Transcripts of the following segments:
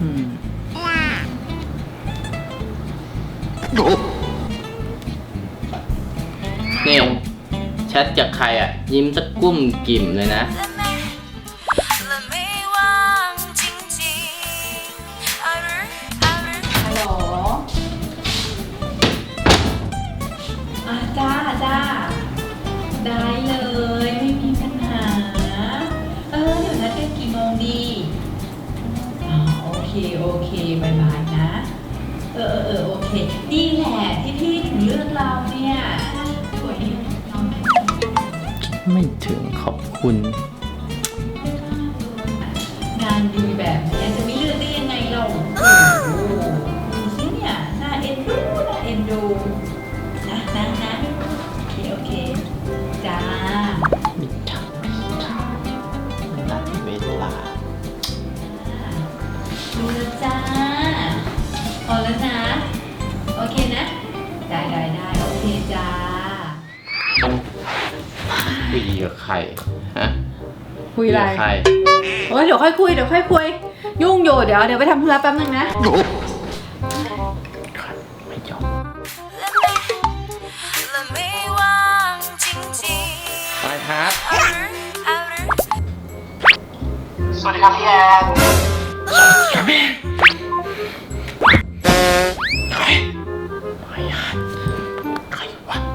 เนี่ยแชทจากใครอ่ะยิ้มสักกุ้มกิ่มเลยนะฮัลโหลจ้าได้เลยไม่มีปัญหาเดี๋ยวนัดกันกี่โมงดีโอเคบายนะโอเคนี่แหละที่พี่ถึงเลือกเราเนี่ยสวยน้องไม่ถึงขอบคุณงานดีแบบนี้จะไม่เลือกได้ยังไงเราดูสิเนี่ยน่าเอ็นดูนะโอเคจ้ามิถานัดเวลาดูแล้วจ้าพอแล้วนะโอเคนะได้โอเคจ้าคุยกับใครฮะคุยอะไรใครเดี๋ยวค่อยคุยยุ่งอยู่เดี๋ยวไปทำธุระแป๊บนึงนะไม่ยอมไปครับสวัสดีครับพี่แอนครับแม่ใครวะ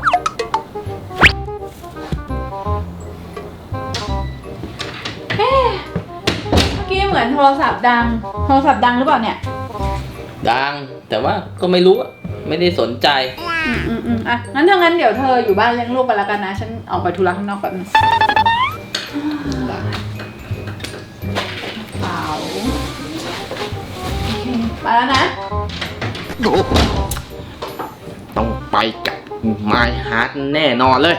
เมื่อกี้เหมือนโทรศัพท์ดังหรือเปล่าเนี่ยดังแต่ว่าก็ไม่รู้ไม่ได้สนใจอ่ะงั้นเดี๋ยวเธออยู่บ้านเลี้ยงลูกไปแล้วกันนะฉันออกไปธุระข้างนอกแป๊บนึงเปล่าไปแล้วนะต้องไปกับไมค์ฮาร์ดแน่นอนเลย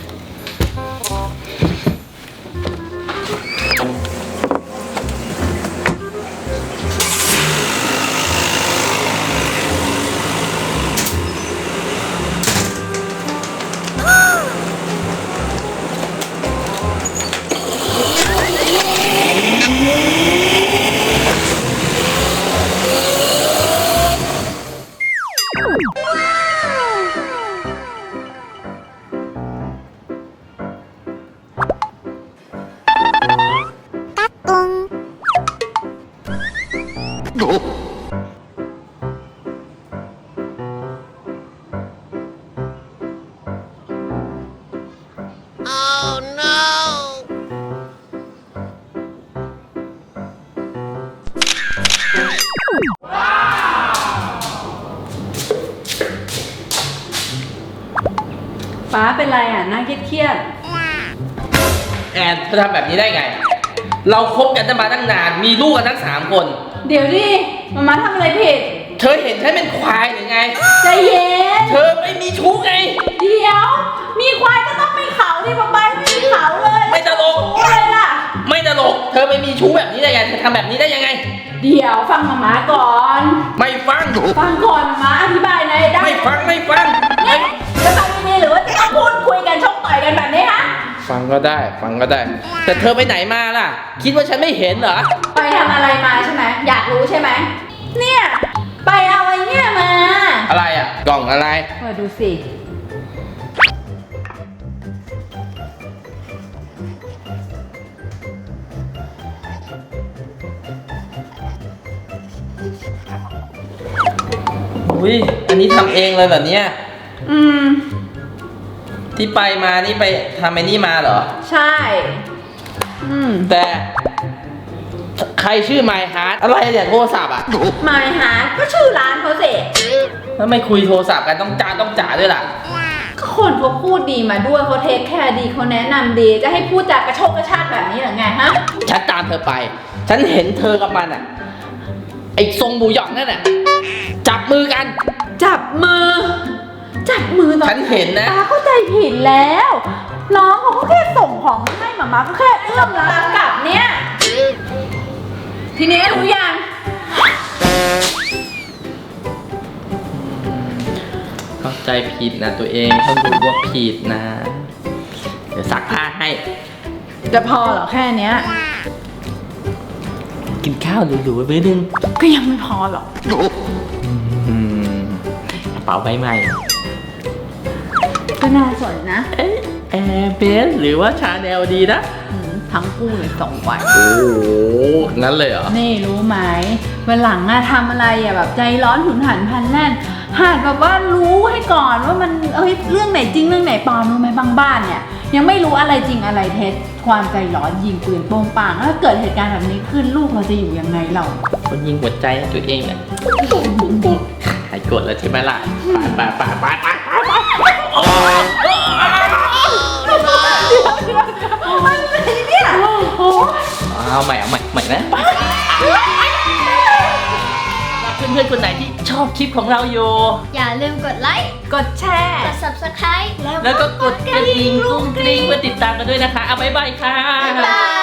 ฟ้าเป็นไรอ่ะน่าเครียดแอนเธอทำแบบนี้ได้ไงเราคบกันมาตั้งนานมีลูกกันทั้ง3 คนเดี๋ยวดิมาทำอะไรผิดเธอเห็นฉันเป็นควายหรือไงใจเย็นเธอไม่มีชู้ไงเดี๋ยวมีควายก็ต้องมีเขาที่ป๊าป๊าไม่มีเขาเลยไม่ตลกอะไรล่ะไม่ตลกเธอไม่มีชู้แบบนี้ได้ไงเธอทำแบบนี้ได้ยังไงเดี๋ยวฟังมาก่อนไม่ฟังก่อนมาอธิบายหน่อยได้ไม่ฟังจะฟังยังไงหรือว่าจะต้องพูดคุยกันชกต่อยกันแบบนี้ฮะฟังก็ได้แต่เธอไปไหนมาล่ะคิดว่าฉันไม่เห็นเหรอไปทำอะไรมาใช่ไหมอยากรู้ใช่ไหมเนี่ยไปเอาอะไรเนี่ยมาอะไรอ่ะกล่องอะไรดูสิอุ้ยอันนี้ทำเองเลยแบบเนี้ยที่ไปมานี่ไปทำไอ้นี่มาเหรอใช่แต่ใครชื่อไมค์ฮาร์ดอะไรเนี่ยโทรศัพท์อ่ะไมค์ฮาร์ดก็ชื่อร้านเขาสิแล้วไม่คุยโทรศัพท์กันต้องจ่าด้วยล่ะก็คนเขาพูดดีมาด้วยเขาเทคแคร์ดีเขาแนะนำดีจะให้พูดจากกระโชกกระชากแบบนี้หรือไงฮะฉันตามเธอไปฉันเห็นเธอกับมันอ่ะไอ้ทรงบูหยองนั่นน่ะจับมือกันจับมือตอนฉันเห็นนะป้าเข้าใจผิดแล้วน้องเขาก็แค่ส่งของให้หมาก็แค่เอื้อมลากลับเนี่ยทีนี้รู้ยังเข้าใจผิดนะตัวเองต้องรู้ว่าผิดนะเดี๋ยวซักผ้าให้จะพอเหรอแค่เนี้ยกินข้าวหรูๆไปนึงก็ยังไม่พอหรอกอืมกระเป๋าใบใหม่ก็น่าสนนะแอร์เบสหรือว่าชาแนลดีนะทั้งคู่เลย2 วันโอ้โหงั้นเลยเหรอนี่รู้ไหมวันหลังอะทำอะไรอะแบบใจร้อนหุนหันพลันแล่นหัดแบบว่ารู้ให้ก่อนว่ามันเรื่องไหนจริงเรื่องไหนปลอมรู้ไหมบางบ้านเนี่ยยังไม่รู้อะไรจริงอะไรเท็จความใจร้อนยิงปืนโป้งปังแล้วเกิดเหตุการณ์แบบนี้ขึ้นลูกเราจะอยู่ยังไงเราคนยิงหัวใจให้ตัวเองเนี่ยหายโกรธแล้วใช่ไหมล่ะไปโอ้ยอะไรเนี่ยเอาใหม่นะเพื่อนๆคนไหนที่ชอบคลิปของเราอยู่อย่าลืมกดไลค์กดแชร์กด subscribe แล้วก็กดกระดิ่งกุ้งกริ้งเพื่อติดตามกันด้วยนะคะ เอาบ๊ายบายค่ะบ๊ายบาย